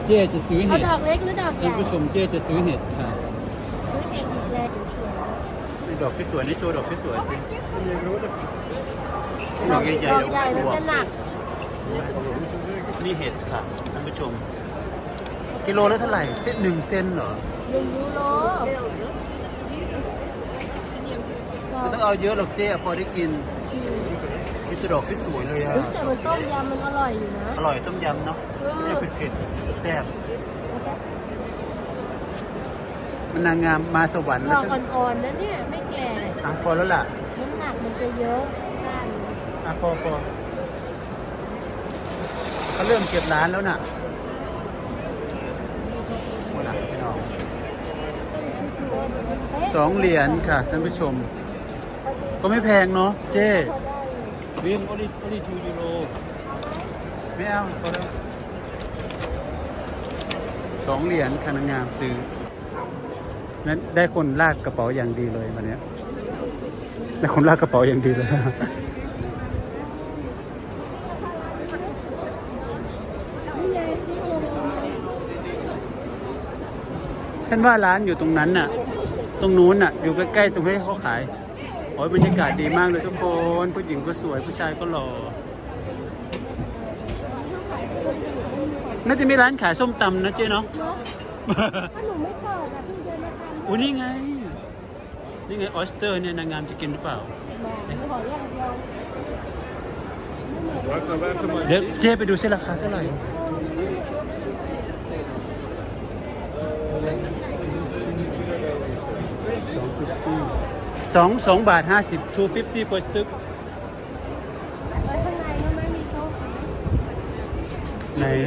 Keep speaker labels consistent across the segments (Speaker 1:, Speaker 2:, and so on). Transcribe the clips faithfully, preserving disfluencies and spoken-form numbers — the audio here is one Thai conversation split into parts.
Speaker 1: เจ๊จะซื้อ
Speaker 2: เอา
Speaker 1: เห็ด
Speaker 2: ดอกเล็กหรือดอกให
Speaker 1: ท่าน
Speaker 2: ญ่
Speaker 1: ผู้ชมเจ๊จะซื้อเห็ดค่ะ
Speaker 2: ซื้อเห็ดอีกเลยสวย
Speaker 1: นี่ดอกสวยๆนี่โชว์ดอกสวยๆสิดอกใหญ่ๆ
Speaker 2: ด
Speaker 1: ด
Speaker 2: อ
Speaker 1: อก ก
Speaker 2: ใหญ่มัน
Speaker 1: บัว
Speaker 2: จะหนัก
Speaker 1: นี่เห็ดค่ะท่านผู้ชม กิโลละเท่าไหร่เซนหนึ่งเซนเหรอ
Speaker 2: หนึ่งยูโร
Speaker 1: ไม่ต้องเอาเยอะหรอกเจ๊พอได้กินนี่ตัวดอกสวยๆเลยอ่ะ
Speaker 2: แต่มันต้มยำมันอร่อยอยู่นะ
Speaker 1: อร่อยต้มยำเนาะต้มยำเผ็ดๆแซ่บมันนางงามมาสวรรค์
Speaker 2: ด
Speaker 1: แล้ว
Speaker 2: อก
Speaker 1: ฉัน
Speaker 2: อ่อนๆนะเนี่ยไม่แก่
Speaker 1: อ่ะพอแล้วล่ะ
Speaker 2: น้ำหนักมันจะเยอะด้าน
Speaker 1: อ่ะพอพอเขาเริ่มเก็บร้านแล้วน่ะหมดละพี่น้องสองเหรียญค่ะท่านผู้ชม ก็ไม่แพงเนาะเจ๊วินโอลิโอลิทูยูโรไม่เอาพอแล้วสองเหรียญค่ะนางงามซื้อนั้นได้คนลากกระเป๋าอย่างดีเลยวันนี้ได้คนลากกระเป๋าอย่างดีเลย ฉันว่าร้านอยู่ตรงนั้นน่ะ ตรงนู้นน่ะ อยู่ใกล้ๆตรงที่เขาขายโอ้ยบรรยากาศดีมากเลยทุกคน ผู้หญิงก็สวย ผู้ชายก็หล่อ น่าจะมีร้านขายส้มตำนะเจ๊เนาะ
Speaker 2: ถ้าหนูไม่เปิดอ่ะพี่เดินมาทำ
Speaker 1: อุ้ยนี่ไง นี่ไงออสเตอร์เนี่ยนางงามจะกินหรือเปล่า
Speaker 2: บอกขออย่างเดียว
Speaker 1: เดี๋ยวเจ๊ไปดูซิราคาเท่าไหร่สองสองบาทห้าสิบ two fifty per stick
Speaker 2: ไว้ข้างในก็ไม่มีโต๊ะ
Speaker 1: ไหน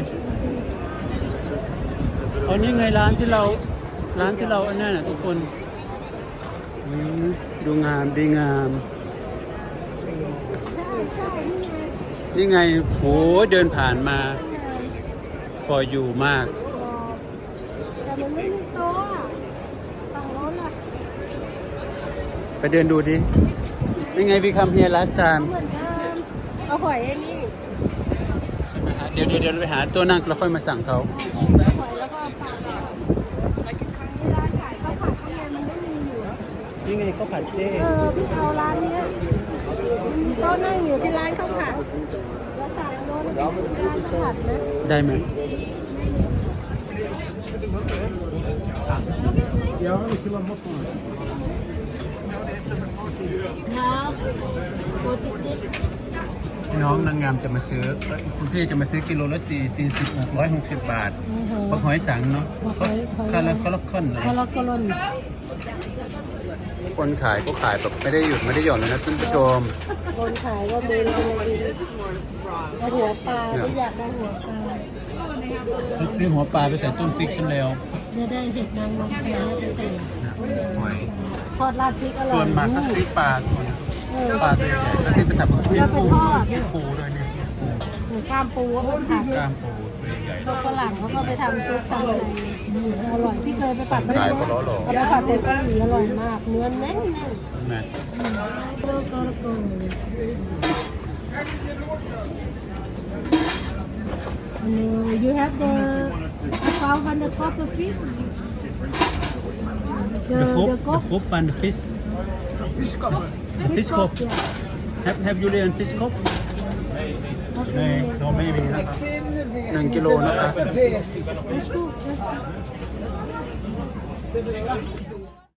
Speaker 1: อ๋อนี่ไงร้านที่เราร้านที่เราอันนั้นน่ะทุกคนอืมดูงามดีงาม
Speaker 2: ใช่ใช่นี่ไง
Speaker 1: นี่ไงโหเดินผ่านมา for you มาก
Speaker 2: แต่มันไม่มีโต๊ะอ่ะฝั่งโน้นอ่ะ
Speaker 1: ไปเดินดูดิ นี่ไง we come here last time
Speaker 2: เหมือนเดิมเอาหอยไอ้นี่
Speaker 1: ใช่ไหมฮะเดี๋ยวเดี๋ยวเดี๋ยวไปหาตัวนั่งแล้วค่อยมาสั่งเขา
Speaker 2: หอยแล้วก็ปลาเวลาขายข้าวผัดข้างในมันไม่มีอยู่
Speaker 1: นี่ไงข้าวผัดเจ๊
Speaker 2: เออพี่เอาร้านเนี้ยมีโต๊ะนั่งอยู่ที่ร้านข้าวผัดแล้วสั่งโน้นร้านข้าวผัดนะ
Speaker 1: ได้ไหม
Speaker 2: ครับโฟร์ตี้ซิก
Speaker 1: น้องนางงามจะมาซื้อเอ้ยคุณพี่จะมาซื้อกิโลละสี่สี่สิบหกร้อยหกสิบบาทบักหอยสังเนาะคาราคาราคอนเลย
Speaker 2: คาราโกลอน
Speaker 1: คนขายก็ขายแบบไม่ได้หยุดไม่ได้หย่อนเลยนะท่านผู้ชม
Speaker 2: คนขายว่าเมนเลยเอาหัวปลาไม่อยากได้หัวปลา
Speaker 1: จะซื้อหัวปลาไปใส่ต้นฟิกชันแล้ว
Speaker 2: จะได้เห็ดนางรมแท้ไปใส่
Speaker 1: หอย
Speaker 2: ทอดราดพริกอร่อย
Speaker 1: ส่วนมากก็ซื้อปลาปลาตัวใหญ่ก็ซื้อไปทำกับซื้อปูปูด้วยเนี่ยปู
Speaker 2: หมูกล้ามปูก็เป็นผัด
Speaker 1: กล้ามปูตัวใหญ่
Speaker 2: พวกฝรั่งเขาก็ไปทำซุปทำอะไรอร่อยพี่เคยไปผัด
Speaker 1: ขายก็ล้อหล่อ
Speaker 2: เอาไปผัดเป็นเกาหลีอร่อยมากเนื้อแน่นแน่น
Speaker 1: แม่
Speaker 2: โกโกโก And you have the five hundred copper fish. The
Speaker 1: the cook
Speaker 2: the
Speaker 1: the
Speaker 2: cook
Speaker 1: cook and the fish
Speaker 3: Fish cup.
Speaker 1: the fish cook
Speaker 2: yeah.
Speaker 1: have have you learned fish cook ในเราไม่มีนะครับหนึ่งกิโลนะครับ
Speaker 2: Let's cook. Let's